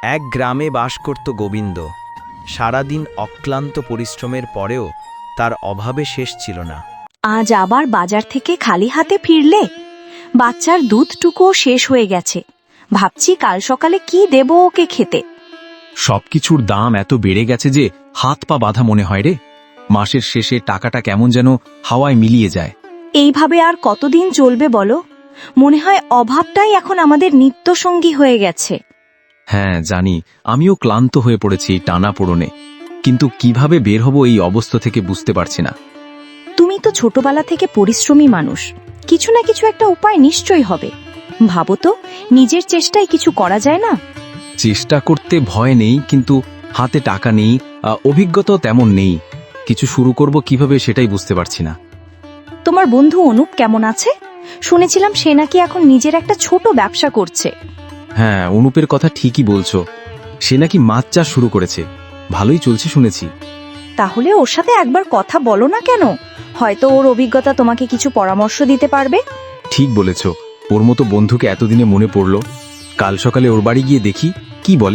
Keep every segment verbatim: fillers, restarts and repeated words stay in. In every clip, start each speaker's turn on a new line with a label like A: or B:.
A: এক গ্রামে বাস করত গোবিন্দ। সারাদিন অক্লান্ত পরিশ্রমের পরেও তার অভাবে শেষ ছিল না।
B: আজ আবার বাজার থেকে খালি হাতে ফিরলে? বাচ্চার দুধটুকুও শেষ হয়ে গেছে। ভাবছি কাল সকালে কি দেব ওকে খেতে।
C: সবকিছুর দাম এত বেড়ে গেছে যে হাত পা বাঁধা মনে হয় রে। মাসের শেষে টাকাটা কেমন যেন হাওয়ায় মিলিয়ে যায়।
B: এইভাবে আর কতদিন চলবে বলো? মনে হয় অভাবটাই এখন আমাদের নিত্যসঙ্গী হয়ে গেছে।
C: হ্যাঁ জানি, আমিও ক্লান্ত হয়ে পড়েছি টানা পোড়নে, কিন্তু কিভাবে বের হব এই অবস্থা থেকে বুঝতে পারছি না।
B: তুমি তো ছোটবেলা থেকে পরিশ্রমী মানুষ, কিছু না কিছু একটা উপায় নিশ্চয়ই হবে। ভাবো তো, নিজের চেষ্টায় কিছু করা যায় না?
C: চেষ্টা করতে ভয় নেই, কিন্তু হাতে টাকা নেই, আহ, অভিজ্ঞতাও তেমন নেই। কিছু শুরু করব কিভাবে সেটাই বুঝতে পারছি না।
B: তোমার বন্ধু অনুপ কেমন আছে? শুনেছিলাম সে নাকি এখন নিজের একটা ছোট ব্যবসা করছে।
C: হ্যাঁ, অনুপের কথা ঠিকই বলছো। সে নাকি মাছ চাষ শুরু করেছে, ভালোই চলছে শুনেছি।
B: তাহলে ওর সাথে একবার কথা বলো না কেন? হয়তো ওর অভিজ্ঞতা তোমাকে কিছু পরামর্শ দিতে পারবে।
C: ঠিক বলেছ, ওর মতো বন্ধুকে এতদিনে মনে পড়ল। কাল সকালে ওর বাড়ি গিয়ে দেখি কি বলে।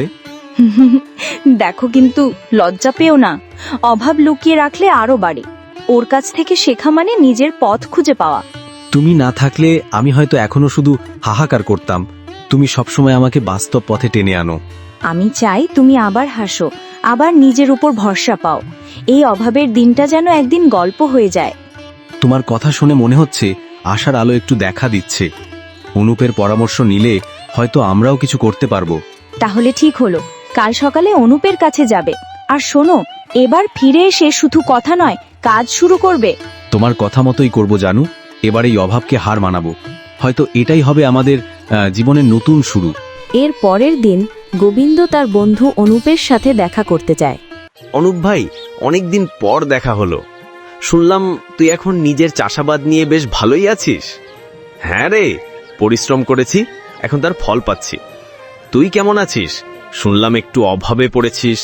B: দেখো, কিন্তু লজ্জা পেও না। অভাব লুকিয়ে রাখলে আরো বাড়ে। ওর কাছ থেকে শেখা মানে নিজের পথ খুঁজে পাওয়া।
C: তুমি না থাকলে আমি হয়তো এখনো শুধু হাহাকার করতাম। তুমি সবসময় আমাকে বাস্তব পথে টেনে আনো।
B: আমি চাই তুমি আবার হাসো, আবার নিজের উপর ভরসা পাও। এই অভাবের দিনটা যেন একদিন গল্প হয়ে যায়।
C: তোমার কথা শুনে মনে হচ্ছে আশার আলো একটু দেখা দিচ্ছে। অনুপের পরামর্শ নিলে হয়তো আমরাও কিছু করতে পারবো।
B: তাহলে ঠিক হলো, কাল সকালে অনুপের কাছে যাবে। আর শোনো, এবার ফিরে এসে শুধু কথা নয়, কাজ শুরু করবে।
C: তোমার কথা মতোই করব জানু। এবার এই অভাবকে হার মানাবো। হয়তো এটাই হবে আমাদের আহ, জীবনের নতুন শুরু।
D: এর পরের দিন গোবিন্দ তার বন্ধু অনুপের সাথে দেখা করতে যায়।
E: অনুপ ভাই, অনেকদিন পর দেখা হলো। শুনলাম তুই এখন নিজের চাষাবাদ নিয়ে বেশ ভালোই আছিস। হ্যাঁ রে, পরিশ্রম করেছি, এখন তার ফল পাচ্ছি। তুই কেমন আছিস? শুনলাম একটু অভাবে পড়েছিস।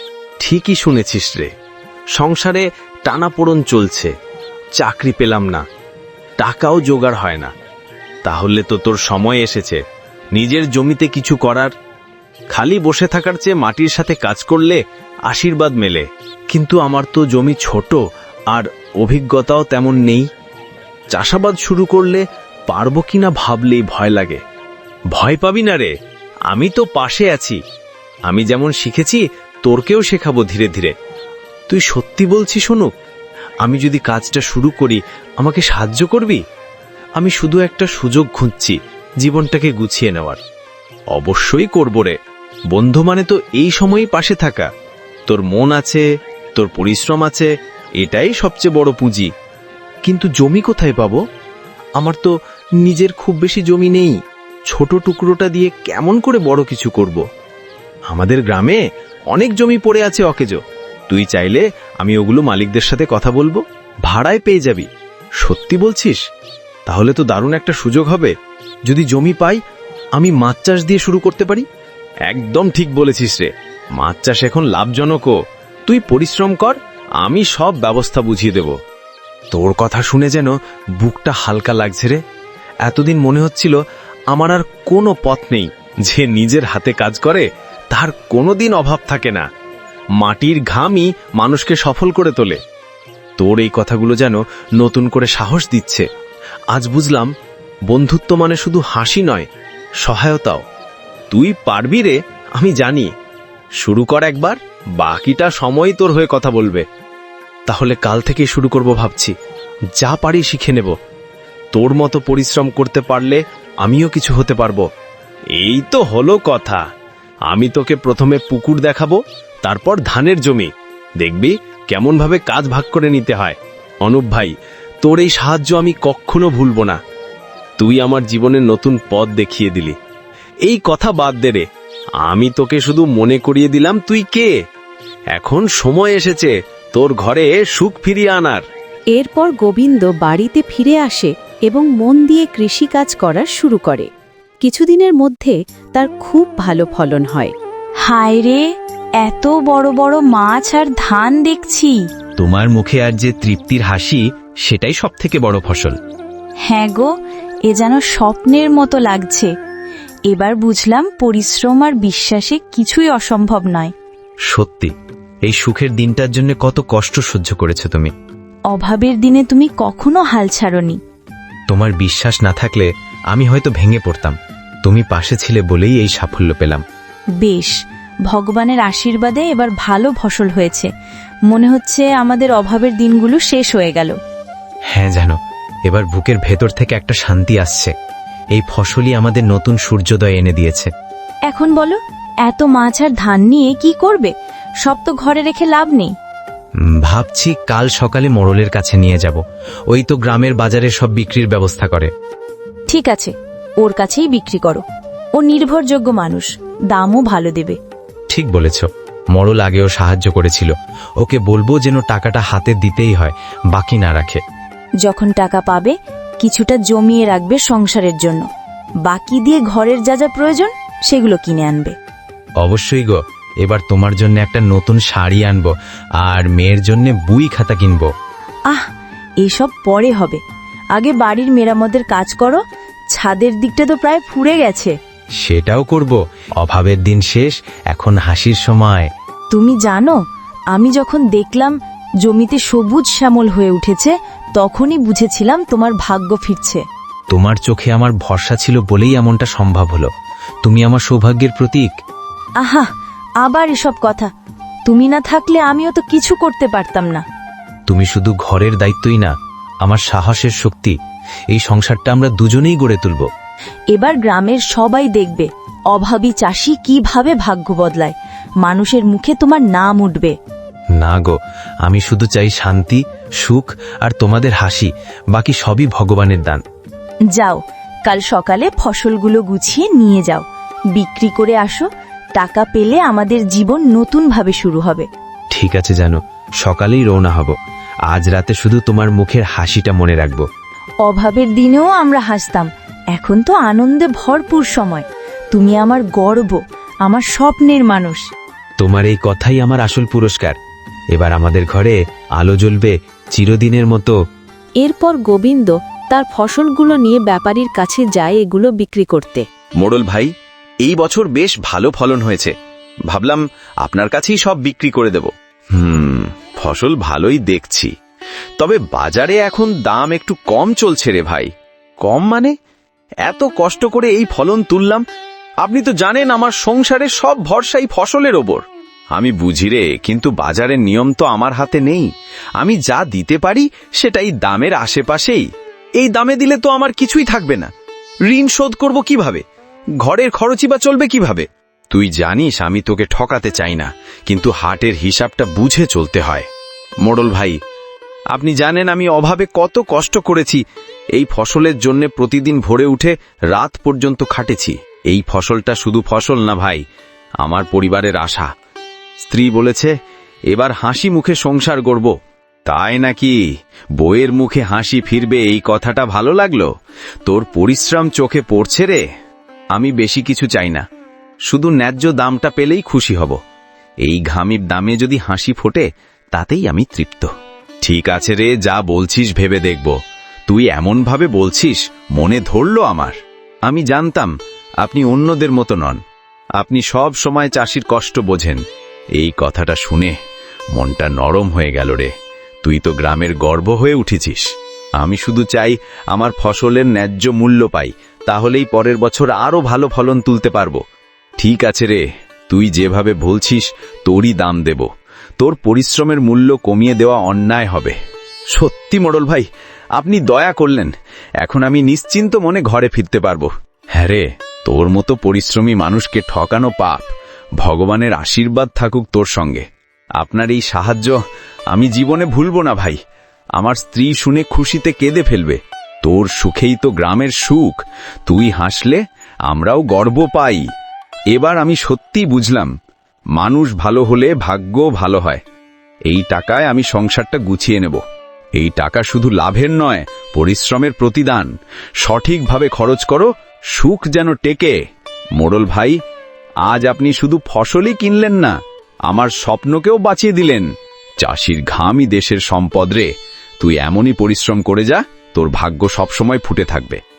E: ঠিকই শুনেছিস রে, সংসারে টানাপোড়ন চলছে, চাকরি পেলাম না, টাকাও জোগাড় হয় না। তাহলে তো তোর সময় এসেছে নিজের জমিতে কিছু করার। খালি বসে থাকার চেয়ে মাটির সাথে কাজ করলে আশীর্বাদ মেলে। কিন্তু আমার তো জমি ছোট আর অভিজ্ঞতাও তেমন নেই। চাষাবাদ শুরু করলে পারবো কিনা ভাবলেই ভয় লাগে। ভয় পাবি না রে, আমি তো পাশে আছি। আমি যেমন শিখেছি তোরকেও শেখাবো ধীরে ধীরে। তুই সত্যি বলছিস শোনো, আমি যদি কাজটা শুরু করি আমাকে সাহায্য করবি? আমি শুধু একটা সুযোগ খুঁজছি জীবনটাকে গুছিয়ে নেওয়ার। অবশ্যই করব রে, বন্ধু মানে তো এই সময়ই পাশে থাকা। তোর মন আছে, তোর পরিশ্রম আছে, এটাই সবচেয়ে বড় পুঁজি। কিন্তু জমি কোথায় পাবো? আমার তো নিজের খুব বেশি জমি নেই। ছোট টুকরোটা দিয়ে কেমন করে বড় কিছু করব? আমাদের গ্রামে অনেক জমি পড়ে আছে অকেজো। তুই চাইলে আমি ওগুলো মালিকদের সাথে কথা বলবো, ভাড়ায় পেয়ে যাবি। সত্যি বলছিস? তাহলে তো দারুণ একটা সুযোগ হবে। যদি জমি পাই, আমি মাছ চাষ দিয়ে শুরু করতে পারি। একদম ঠিক বলেছিস রে, মাছ চাষ এখন লাভজনকও। তুই পরিশ্রম কর, আমি সব ব্যবস্থা বুঝিয়ে দেব। তোর কথা শুনে যেন বুকটা হালকা লাগছে রে। এতদিন মনে হচ্ছিল আমার আর কোনো পথ নেই। যে নিজের হাতে কাজ করে তার কোনোদিন অভাব থাকে না। মাটির ঘামই মানুষকে সফল করে তোলে। তোর এই কথাগুলো যেন নতুন করে সাহস দিচ্ছে। আজ বুঝলাম, বন্ধুত্ব মানে শুধু হাসি নয়, সহায়তাও। তুই পারবি রে, আমি জানি। শুরু কর একবার, বাকিটা সময় তোর হয়ে কথা বলবে। তাহলে কাল থেকেই শুরু করব ভাবছি। যা পারি শিখে নেব। তোর মতো পরিশ্রম করতে পারলে আমিও কিছু হতে পারবো। এই তো হলো কথা। আমি তোকে প্রথমে পুকুর দেখাবো, তারপর ধানের জমি। দেখবি কেমন ভাবে কাজ ভাগ করে নিতে হয়। অনুপ ভাই, তোর এই সাহায্য আমি কখনো ভুলব না। তুই আমার জীবনের নতুন পথ দেখিয়ে দিলি। এই কথা বাদ দে রে, আমি তোকে শুধু মনে করিয়ে দিলাম তুই কে। এখন সময় এসেছে তোর ঘরে সুখ ফিরিয়ে আনার।
D: এরপর গোবিন্দ বাড়িতে ফিরে আসে এবং মন দিয়ে কৃষিকাজ করা শুরু করে। কিছুদিনের মধ্যে তার খুব ভালো ফলন হয়।
B: হায় রে, এত বড় বড় মাছ আর ধান দেখছি।
F: তোমার মুখে আর যে তৃপ্তির হাসি, সেটাই সব থেকে বড় ফসল।
B: হ্যাঁ গো, এ যেন স্বপ্নের মতো লাগছে। এবার বুঝলাম পরিশ্রম আর বিশ্বাসে কিছুই অসম্ভব নয়।
F: সত্যি, এই সুখের দিনটার জন্য কত কষ্ট সহ্য করেছো তুমি।
B: অভাবের দিনে তুমি কখনো হাল ছাড়োনি।
F: তোমার বিশ্বাস না থাকলে আমি হয়তো ভেঙে পড়তাম। তুমি পাশে ছিলে বলেই এই সাফল্য পেলাম।
B: বেশ, ভগবানের আশীর্বাদে এবার ভালো ফসল হয়েছে। মনে হচ্ছে আমাদের অভাবের দিনগুলো শেষ হয়ে গেল।
F: হ্যাঁ জানো, এবার বুকের ভেতর থেকে একটা শান্তি আসছে। এই ফসলই আমাদের নতুন সূর্যোদয় এনে দিয়েছে।
B: এখন বলো, এত মাছ আর ধান নিয়ে কি করবে? সব তো ঘরে রেখে লাভ নেই।
F: উম, ভাবছি কাল সকালে মোড়লের কাছে নিয়ে যাব। ওই তো গ্রামের বাজারে সব বিক্রির ব্যবস্থা করে।
B: ঠিক আছে, ওর কাছেই বিক্রি করো। ও নির্ভরযোগ্য মানুষ, দামও ভালো দেবে।
F: ঠিক বলেছ, মোড়ল আগেও সাহায্য করেছিল। ওকে বলবো যেন টাকাটা হাতে দিতেই হয়, বাকি না রাখে।
B: যখন টাকা পাবে কিছুটা জমিয়ে রাখবে সংসারের জন্য, বাকি দিয়ে ঘরের যা যা প্রয়োজন সেগুলো কিনে আনবে।
F: অবশ্যই গো, এবার তোমার জন্য একটা নতুন শাড়ি আনবো আর মেয়ের জন্য বই খাতা কিনবো।
B: আহ, এসব পরে হবে। আগে বাড়ির মেরামতের কাজ করো। ছাদের দিকটা তো প্রায় ফুরে গেছে।
F: সেটাও করব। অভাবের দিন শেষ, এখন হাসির সময়।
B: তুমি জানো, আমি যখন দেখলাম জমিতে সবুজ শ্যামল হয়ে উঠেছে তখনই বুঝেছিলাম তোমার ভাগ্য ফিরছে।
F: তোমার চোখে আমার ভরসা ছিল বলেই এমনটা সম্ভব হলো। তুমি আমার সৌভাগ্যের প্রতীক।
B: আহা, আবার এসব কথা। তুমি না থাকলে আমিও তো কিছু করতে পারতাম না।
F: তুমি শুধু ঘরের দায়িত্বই না, আমার সাহসের শক্তি। এই সংসারটা আমরা দুজনেই গড়ে তুলব।
B: এবার গ্রামের সবাই দেখবে অভাবী চাষি কিভাবে ভাগ্য বদলায়। মানুষের মুখে তোমার নাম উঠবে।
F: না গো, আমি শুধু চাই শান্তি, সুখ আর তোমাদের হাসি। বাকি সবই ভগবানের দান।
B: যাও, কাল সকালে ফসলগুলো গুছিয়ে নিয়ে যাও, বিক্রি করে আসো। টাকা পেলে আমাদের জীবন নতুনভাবে শুরু হবে।
F: ঠিক আছে জানো, সকালেই রওনা হব। আজ রাতে শুধু তোমার মুখের হাসিটা মনে রাখবো।
B: অভাবের দিনেও আমরা হাসতাম, এখন তো আনন্দে ভরপুর সময়। তুমি আমার গর্ব, আমার স্বপ্নের মানুষ।
F: তোমার এই কথাই আমার আসল পুরস্কার। এবার আমাদের ঘরে আলো জ্বলবে চিরদিনের মতো।
D: এরপর গোবিন্দ তার ফসলগুলো নিয়ে ব্যাপারীর কাছে যায় এগুলো বিক্রি করতে।
E: মোড়ল ভাই, এই বছর বেশ ভালো ফলন হয়েছে। ভাবলাম আপনার কাছেই সব বিক্রি করে দেব। হুম, ফসল ভালোই দেখছি, তবে বাজারে এখন দাম একটু কম চলছে রে ভাই। কম মানে? এত কষ্ট করে এই ফলন তুললাম। আপনি তো জানেন আমার সংসারে সব ভরসাই ফসলের ওপর। আমি বুঝি রে, কিন্তু বাজারের নিয়ম তো আমার হাতে নেই। আমি যা দিতে পারি সেটাই দামের আশেপাশেই। এই দামে দিলে তো আমার কিছুই থাকবে না। ঋণ শোধ করব কিভাবে? ঘরের খরচই বা চলবে কিভাবে? তুই জানিস আমি তোকে ঠকাতে চাই না, কিন্তু হাটের হিসাবটা বুঝে চলতে হয়। মোড়ল ভাই, আপনি জানেন আমি অভাবে কত কষ্ট করেছি। এই ফসলের জন্য প্রতিদিন ভোরে উঠে রাত পর্যন্ত খাটেছি। এই ফসলটা শুধু ফসল না ভাই, আমার পরিবারের আশা। স্ত্রী বলেছে এবার হাসি মুখে সংসার গড়ব। তাই নাকি? বউয়ের মুখে হাসি ফিরবে এই কথাটা ভালো লাগলো। তোর পরিশ্রম চোখে পড়ছে রে। আমি বেশি কিছু চাই না, শুধু ন্যায্য দামটা পেলেই খুশি হব। এই ঘামির দামে যদি হাসি ফোটে তাতেই আমি তৃপ্ত। ঠিক আছে রে, যা বলছিস ভেবে দেখব। তুই এমন ভাবে বলছিস মনে ধরল আমার। আমি জানতাম আপনি অন্যদের মতো নন। আপনি সব সময় চাষির কষ্ট বোঝেন। এই কথাটা শুনে মনটা নরম হয়ে গেল রে। তুই তো গ্রামের গর্ব হয়ে উঠেছিস। আমি শুধু চাই আমার ফসলের ন্যায্য মূল্য পাই, তাহলেই পরের বছর আরো ভালো ফলন তুলতে পারবো। ঠিক আছে রে, তুই যেভাবে বলছিস তোরই দাম দেব। তোর পরিশ্রমের মূল্য কমিয়ে দেওয়া অন্যায় হবে। সত্যি মোড়ল ভাই, আপনি দয়া করলেন। এখন আমি নিশ্চিন্ত মনে ঘরে ফিরতে পারবো। হ্যাঁ রে, তোর মতো পরিশ্রমী মানুষকে ঠকানো পাপ। ভগবানের আশীর্বাদ থাকুক তোর সঙ্গে। আপনার এই সাহায্য আমি জীবনে ভুলব না ভাই। আমার স্ত্রী শুনে খুশিতে কেঁদে ফেলবে। তোর সুখেই তো গ্রামের সুখ। তুই হাসলে আমরাও গর্ব পাই। এবার আমি সত্যিই বুঝলাম, মানুষ ভালো হলে ভাগ্য ভালো হয়। এই টাকায় আমি সংসারটা গুছিয়ে নেব। এই টাকা শুধু লাভের নয়, পরিশ্রমের প্রতিদান। সঠিকভাবে খরচ করো, সুখ যেন টেকে। মোড়ল ভাই, আজ আপনি শুধু ফসলই কিনলেন না, আমার স্বপ্নকেও বাঁচিয়ে দিলেন। চাষির ঘামই দেশের সম্পদ রে। তুই এমনই পরিশ্রম করে যা, তোর ভাগ্য সবসময় ফুটে থাকবে।